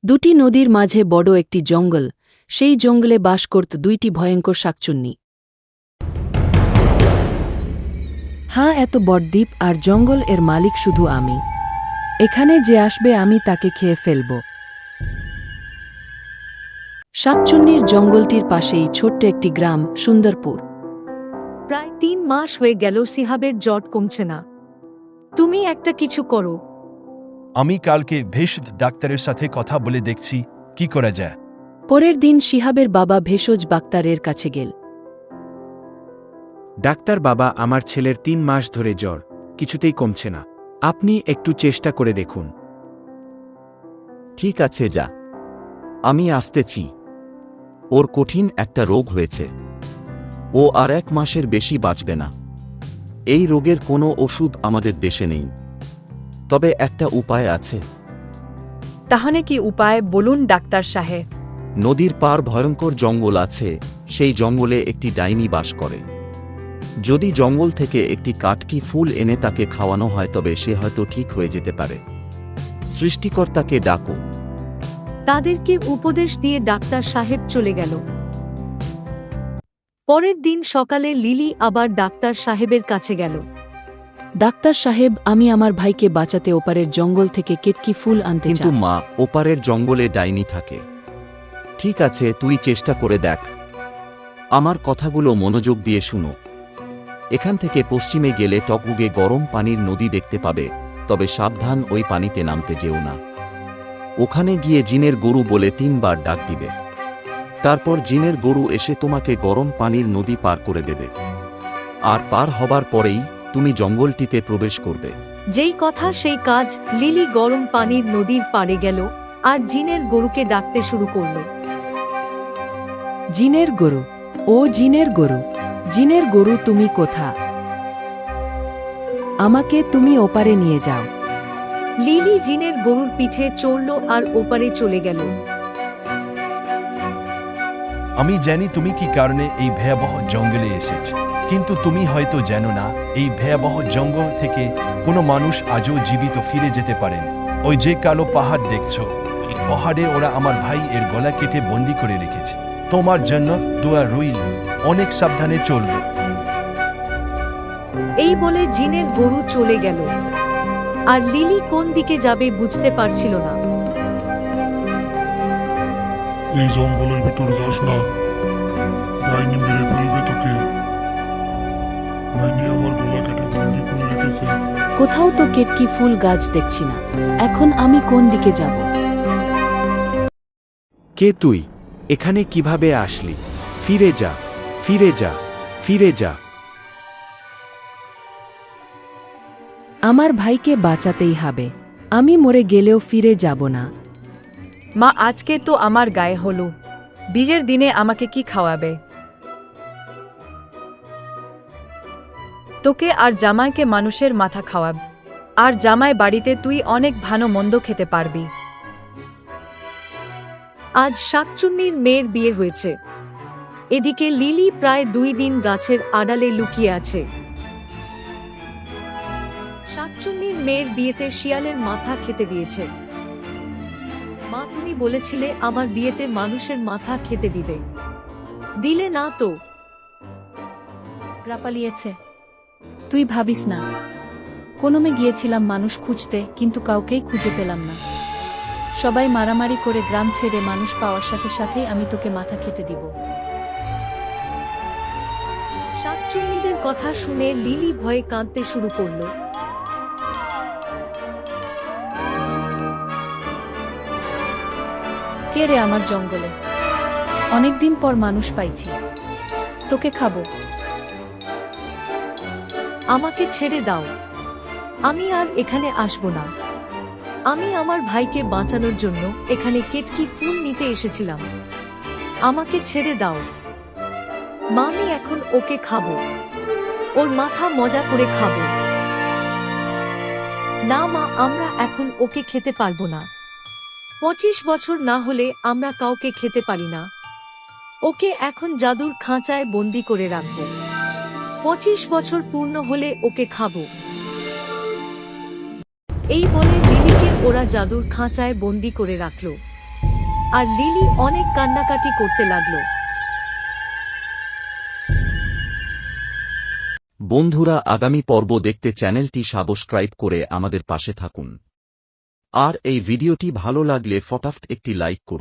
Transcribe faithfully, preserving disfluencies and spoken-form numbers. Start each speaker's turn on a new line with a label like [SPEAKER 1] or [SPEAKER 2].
[SPEAKER 1] দুটি নদীর মাঝে বড় একটি জঙ্গল, সেই জঙ্গলে বাস করত দুইটি ভয়ঙ্কর শাকচুন্নি।
[SPEAKER 2] হ্যাঁ, এত বড় দ্বীপ আর জঙ্গল, এর মালিক শুধু আমি। এখানে যে আসবে আমি তাকে খেয়ে ফেলব।
[SPEAKER 1] শাকচুন্নির জঙ্গলটির পাশেই ছোট্ট একটি গ্রাম, সুন্দরপুর।
[SPEAKER 3] প্রায় তিন মাস হয়ে গেল সিহাবের জ্বর কমছে না। তুমি একটা কিছু করো।
[SPEAKER 4] আমি কালকে ভেষজ ডাক্তারের সাথে কথা বলে দেখছি কি করা যায়।
[SPEAKER 1] পরের দিন শিহাবের বাবা ভেষজ ডাক্তারের কাছে গেল।
[SPEAKER 5] ডাক্তার বাবা, আমার ছেলের তিন মাস ধরে জ্বর, কিছুতেই কমছে না। আপনি একটু চেষ্টা করে দেখুন।
[SPEAKER 6] ঠিক আছে, যা, আমি আসতেছি। ওর কঠিন একটা রোগ হয়েছে, ও আর এক মাসের বেশি বাঁচবে না। এই রোগের কোনো ওষুধ আমাদের দেশে নেই, তবে একটা উপায় আছে।
[SPEAKER 7] তাহলে কি উপায় বলুন ডাক্তার সাহেব?
[SPEAKER 6] নদীর পার ভয়ঙ্কর জঙ্গল আছে, সেই জঙ্গলে একটি ডাইনি বাস করে। যদি জঙ্গল থেকে একটি কাটকি ফুল এনে তাকে খাওয়ানো হয় তবে সে হয়তো ঠিক হয়ে যেতে পারে। সৃষ্টিকর্তাকে ডাকো।
[SPEAKER 3] তাদেরকে উপদেশ দিয়ে ডাক্তার সাহেব চলে গেল। পরের দিন সকালে লিলি আবার ডাক্তার সাহেবের কাছে গেল।
[SPEAKER 1] ডাক্তার সাহেব, আমি আমার ভাইকে বাঁচাতে ওপারের জঙ্গল থেকে কেটকি ফুল আনতে
[SPEAKER 6] কিন্তু
[SPEAKER 1] চাই।
[SPEAKER 6] মা, ওপারের জঙ্গলে ডাইনি থাকে। ঠিক আছে, তুই চেষ্টা করে দেখ। আমার কথাগুলো মনোযোগ দিয়ে শুনো। এখান থেকে পশ্চিমে গেলে টকবুগে গরম পানির নদী দেখতে পাবে, তবে সাবধান, ওই পানিতে নামতে যেও না। ওখানে গিয়ে জিনের গরু বলে তিনবার ডাক দিবে। তারপর জিনের গরু এসে তোমাকে গরম পানির নদী পার করে দেবে, আর পার হবার পরেই তুমি জঙ্গলটিতে প্রবেশ করবে।
[SPEAKER 3] যেই কথা সেই কাজ। লিলি গরম পানির নদীর পাড়ে গেল আর জিনের গরুকে ডাকতে শুরু করল।
[SPEAKER 2] জিনের গরু, ও জিনের গরু, জিনের গরু, তুমি কোথা? আমাকে তুমি ওপারে নিয়ে যাও।
[SPEAKER 3] লিলি জিনের গরুর পিঠে চড়ল আর ওপারে চলে গেল।
[SPEAKER 4] আমি জানি তুমি কি কারণে এই ভয়াবহ জঙ্গলে এসেছ, কিন্তু তুমি হয়তো জানো না এই ভয়াবহ জঙ্গল থেকে কোনো মানুষ আজও জীবিত ফিরে যেতে পারেন। ওই যে কালো পাহাড় দেখছো, এই পাহাড়ে ওরা আমার ভাই এর গলা কেটে বন্দি করে রেখেছে। তোমার জন্য দোয়া রইল, অনেক সাবধানে চলবে।
[SPEAKER 3] এই বলে জিনের গরু চলে গেল, আর লিলি কোন দিকে যাবে বুঝতে পারছিল না।
[SPEAKER 8] এই জঙ্গলের ভিতর যাস না, ডাইনি মেরে ফেলবে তোকে। ডাইনি আমার গলা কেটে বন্দি করে রেখেছে।
[SPEAKER 1] কোথাও তো কেটকি ফুল গাছ দেখছি না, এখন আমি কোন দিকে যাব?
[SPEAKER 5] কে তুই? এখানে কিভাবে আসলি? ফিরে যা, ফিরে যা, ফিরে যা।
[SPEAKER 2] আমার ভাইকে বাঁচাতেই হবে। আমি মরে গেলেও ফিরে যাব না।
[SPEAKER 7] মা, আজকে তো আমার গায়ে হলো, বীজের দিনে আমাকে কি খাওয়াবে? তোকে আর জামাইকে মানুষের মাথা খাওয়াব, আর জামাই বাড়িতে তুই অনেক ভালো মন্দ খেতে পারবি।
[SPEAKER 3] আজ শাকচুন্নির মেয়ের বিয়ে হয়েছে, এদিকে লিলি প্রায় দুই দিন গাছের আড়ালে লুকিয়ে আছে। শাকচুন্নির মেয়ের বিয়েতে শিয়ালের মাথা খেতে দিয়েছে। মা, তুমি বলেছিলে আমার বিয়েতে মানুষের মাথা খেতে দিবে, দিলে না তো?
[SPEAKER 9] পালিয়েছে। তুই ভাবিস না, কোনোমে গিয়েছিলাম মানুষ খুঁজতে, কিন্তু কাউকেই খুঁজে পেলাম না। সবাই মারামারি করে গ্রাম ছেড়ে মানুষ পাওয়ার সাথে সাথেই আমি তোকে মাথা খেতে দিব।
[SPEAKER 3] শাকচুন্নিদের কথা শুনে লিলি ভয়ে কাঁদতে শুরু করলো।
[SPEAKER 9] কে রে আমার জঙ্গলে? অনেকদিন পর মানুষ পাইছি, তোকে খাবো।
[SPEAKER 3] আমাকে ছেড়ে দাও, আমি আর এখানে আসবো না। আমি আমার ভাইকে বাঁচানোর জন্য এখানে কেটকি ফুল নিতে এসেছিলাম। আমাকে ছেড়ে দাও মা, আমি এখন ওকে খাবো, ওর মাথা মজা করে খাবো। না মা, আমরা এখন ওকে খেতে পারবো না। পঁচিশ বছর না হলে আমরা কাউকে খেতে পারি না। ওকে এখন জাদুর খাঁচায় বন্দি করে রাখবো। পঁচিশ বছর পূর্ণ হলে ওকে খাবো। এই বলে লিলিকে ওরা জাদুর খাঁচায় বন্দি করে রাখল। আর লিলি অনেক কান্নাকাটি করতে লাগলো।
[SPEAKER 6] বন্ধুরা, আগামী পর্ব দেখতে চ্যানেলটি সাবস্ক্রাইব করে আমাদের পাশে থাকুন। আর এই ভিডিওটি ভালো লাগলে ফটাফট একটি লাইক করুন।